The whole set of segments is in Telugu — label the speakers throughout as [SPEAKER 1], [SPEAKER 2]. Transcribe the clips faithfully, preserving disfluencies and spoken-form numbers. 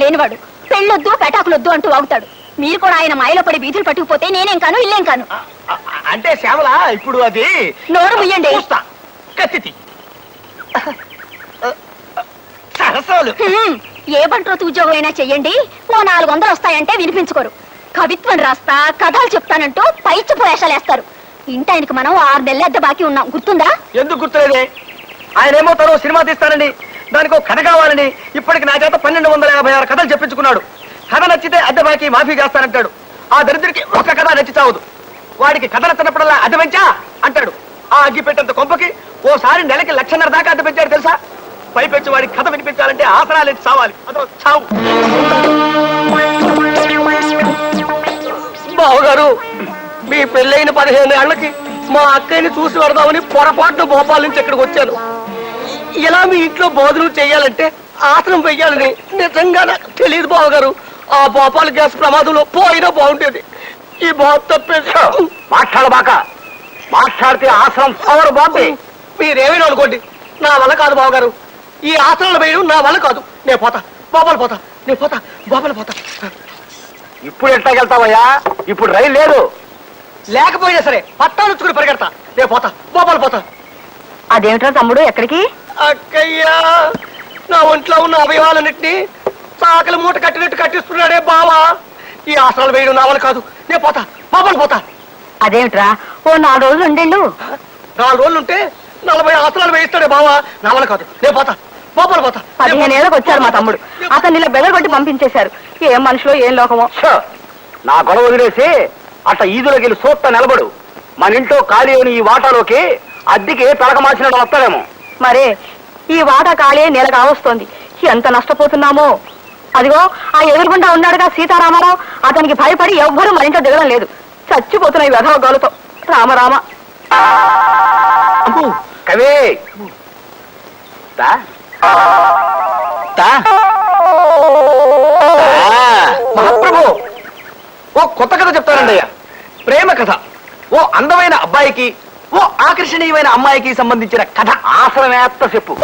[SPEAKER 1] లేనివాడు. పెళ్ళొద్దు పెటాకులొద్దు అంటూ వాగుతాడు. మీరు కూడా ఆయన మాయలో పడి బీతులు పట్టుకుపోతే నేనేం కాను ఇల్లేం కాను.
[SPEAKER 2] అంటే శ్యామల ఇప్పుడు అది
[SPEAKER 1] నోరు ముయ్యండి.
[SPEAKER 2] కత్తి సరసాలు
[SPEAKER 1] ఏ బంట్రోతు ఉద్యోగం అయినా చెయ్యండి, ఓ నాలుగు వందలు వస్తాయంటే వినిపించుకోరు. కవిత్వం రాస్తా కథలు చెప్తానంటూ పైచి వేషాలేస్తారు. ఇంటాయనకి మనం ఆరు నెలల అద్దె బాకీ ఉన్నాం, గుర్తుందా?
[SPEAKER 2] ఎందుకు గుర్తులేదే? ఆయన ఏమో తను సినిమా తీస్తానని, దానికి ఒక కథ కావాలని ఇప్పటికి నా చేత పన్నెండు వందల యాభై ఆరు కథలు చెప్పించుకున్నాడు. కథ నచ్చితే అద్దె బాకీ మాఫీ చేస్తానంటాడు. ఆ దరిద్రుడికి ఒక కథ నచ్చి చావదు. వాడికి కథ నచ్చినప్పుడల్లా అద్దె పెంచా అంటాడు. ఆ అగ్గి పెట్టేంత కొంపకి ఓసారి నెలకి లక్షన్నర దాకా అద్దె పెంచాడు తెలుసా? పైపెచ్చి వాడికి కథ వినిపించాలంటే ఆసరాలు ఎత్తి చావాలి. అదో చావు. బావగారు, మీ పెళ్ళైన పదిహేను ఏళ్లకి మా అక్కయ్యని చూసి పెడదామని పొరపాటున భోపాల నుంచి ఇక్కడికి వచ్చాను. ఇలా మీ ఇంట్లో భోజనం చెయ్యాలంటే ఆసనం వెయ్యాలని నిజంగా నాకు తెలియదు బావగారు. ఆ భోపాల్ గ్యాస్ ప్రమాదంలో పోయినా బాగుండేది. ఈ బాబు తప్పేసి మాట్లాడబాక. మాట్లాడితే ఆసనం పవర్ బాబే. మీరేమైనా అనుకోండి, నా వల్ల కాదు బావగారు. ఈ ఆసనాలు వేయడం నా వల్ల కాదు. నేను పోతా, బాబాలు పోతా, నేను పోతా, బాబాలు పోతా. ఇప్పుడు ఎట్లాగెళ్తావయ్యా? ఇప్పుడు రైలు లేదు. లేకపోయినా సరే పట్టాలు వచ్చుకుని పరిగెడతా. నేను పోతా, బాబాలు పోతా.
[SPEAKER 1] అదేమిట్రా తమ్ముడు, ఎక్కడికి?
[SPEAKER 2] అక్కయ్యా, నా ఒంట్లో ఉన్న అవయవాలన్నింటినీ చాకలి మూట కట్టినట్టు కట్టిస్తున్నాడే బావా. ఈ ఆసనాలు వేయడం నా వల్ల కాదు. నేను పోతా, బాబాలు పోతా.
[SPEAKER 1] అదేమిట్రా, ఓ నాలుగు రోజులు ఉండేళ్ళు.
[SPEAKER 2] నాలుగు రోజులు ఉంటే నలభై ఆసనాలు వేయిస్తాడే బావా. నా వల్ల కాదు. నేను పోతా, బాబాలు పోతా.
[SPEAKER 1] పదిహేను ఏళ్ళకి వచ్చారు మా తమ్ముడు, అతను ఇలా బెదరగొట్టి పంపించేశారు. ఏం మనుషులో ఏం లోకమో.
[SPEAKER 2] నా గొడవ వదిలేసి అట్లా ఈదులోకి వెళ్ళి సూత్త నిలబడు. మన ఇంట్లో ఖాళీ అయిన ఈ వాటాలోకి అద్దెకి తలక మార్చినట్టు వస్తాడేమో.
[SPEAKER 1] మరే ఈ వాటా ఖాళీ నెల కావస్తోంది. ఎంత నష్టపోతున్నామో. అదిగో ఆ ఎదురుగుండా ఉన్నాడుగా సీతారామారావు, అతనికి భయపడి ఎవ్వరూ మన ఇంట్లో దిగడం లేదు. చచ్చిపోతున్నాయి వెధవ గోలతో. రామరామ.
[SPEAKER 2] కవి మహాప్రభు, ఓ కొత్త కథ చెప్తానండి అయ్యా. ప్రేమ కథ. ఓ అందమైన అబ్బాయికి, ఓ ఆకర్షణీయమైన అమ్మాయికి సంబంధించిన కథ. ఆసనమేత్త చెప్పు.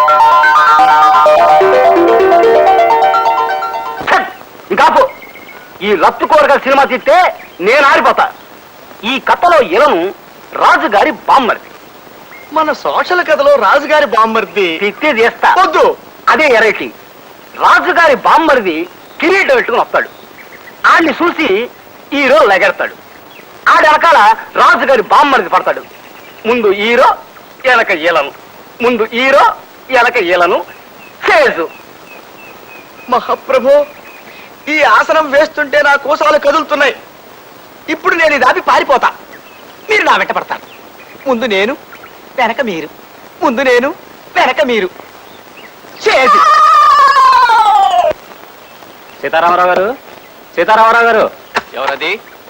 [SPEAKER 2] ఇంకాపు. ఈ లత్తు కోరగల సినిమా తీస్తే నేను ఆరిపోతా. ఈ కథలో ఇలను రాజుగారి బామ్మర్ది. మన సోషల్ కథలో రాజుగారి బామ్మర్ది తిత్తి చేస్తా. వద్దు, అదే ఎరైటీ. రాజుగారి బామ్మర్ది కిరీటం పెట్టుకుని వస్తాడు. ఆడిని చూసి హీరో లెగెడతాడు. ఆడి వెనకాల రాజుగారి బామ్మర్ది పడతాడు. ముందు హీరో, ఎలక ఈలను. ముందు హీరో, ఎలక ఈలను. చేజు. మహాప్రభు, ఈ ఆసనం వేస్తుంటే నా కోసాలు కదులుతున్నాయి. ఇప్పుడు నేను ఇది ఆపి పారిపోతా. మీరు నా వెంట పడతారు. ముందు నేను, వెనక మీరు. ముందు నేను, వెనక మీరు. చేసి
[SPEAKER 3] సీతారామరావు గారు, సీతారామరావు గారు. ఎవరది?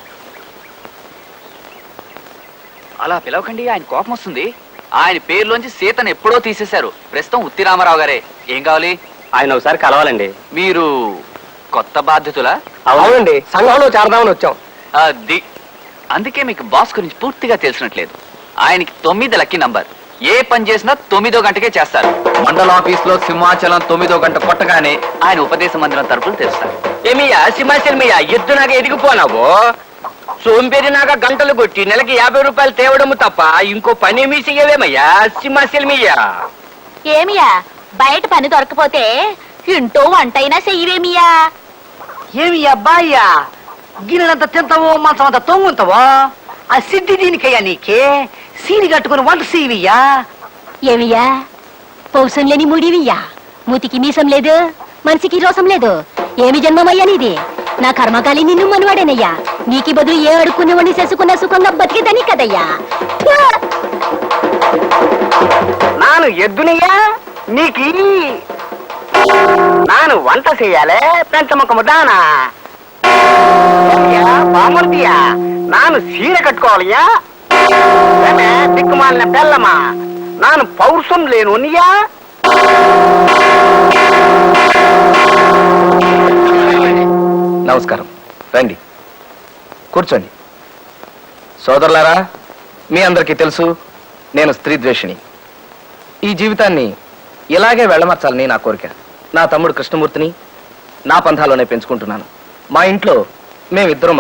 [SPEAKER 3] అలా పిలవకండి, ఆయన కోపం వస్తుంది. ఆయన పేరులోంచి సీతను ఎప్పుడో తీసేశారు. ప్రస్తుతం ఉత్తి రామారావు గారే. ఏం కావాలి?
[SPEAKER 2] ఆయన ఒకసారి కలవాలండి.
[SPEAKER 3] మీరు కొత్త బాధ్యతలా?
[SPEAKER 2] అవునండి, సంఘంలో చేరదామని వచ్చాం.
[SPEAKER 3] అది అందుకే మీకు బాస్ గురించి పూర్తిగా తెలిసినట్లేదు. ఆయనకి తొమ్మిది లక్కీ నంబర్. ఏ పని చేసినా తొమ్మిదో గంటకే చేస్తారు. మండల ఆఫీస్ లో సింహాచలం తొమ్మిదో గంట కొట్టగానే ఆయన ఉపదేశ మందిరం తరపులు తెస్తారు.
[SPEAKER 2] ఏమియా సింహాచలం మీయా ఎద్దు నాక ఎదిగిపోనావు. సోంపేరి నాక గంటలు కొట్టి నెలకి యాభై రూపాయలు తేవడము తప్ప ఇంకో పని మీ చెయ్యవేమయ్యా సింహాచలం మీయా.
[SPEAKER 1] ఏమియా బయట పని దొరకపోతే ఇంటో వంటైనా చెయ్యవేమియా.
[SPEAKER 4] ఏమి అబ్బాయ్యా, గిన్నెలంత తింటావో మంచం అంత తొంగుంటావో. ఆ సిద్ధి దీనికయ్యా నీకే. సీని కట్టుకుని వంట సీవియ్యా.
[SPEAKER 1] ఏమియా పౌసం లేని ముడివియ్యా. మూతికి మీసం లేదు, మనిషికి రోసం లేదు. ఏమి జన్మమయ్యా నీది? నా కర్మకాలి నిన్ను మనవాడేనయ్యా. నీకి బదులు ఏ అడుక్కునే వండి చేసుకున్న సుఖంగా బతికేదని కదయ్యా.
[SPEAKER 4] నాను ఎద్దునియా నీకి. నాను వంట చెయ్యాలే పెంచముఖము దానా. బామర్దియా నాను సీర కట్టుకోవాలయ్యా. దిక్కుమాలిన బెల్లమా నాను పౌరుషం లేనునియా.
[SPEAKER 2] నమస్కారం, రండి కూర్చోండి. సోదరులారా, మీ అందరికీ తెలుసు నేను స్త్రీ ద్వేషిని. ఈ జీవితాన్ని ఇలాగే వెళ్ళమర్చాలని నా కోరిక. నా తమ్ముడు కృష్ణమూర్తిని, నా పంథాలోనే పెంచుకుంటున్నాను. మా ఇంట్లో మేమిద్దరం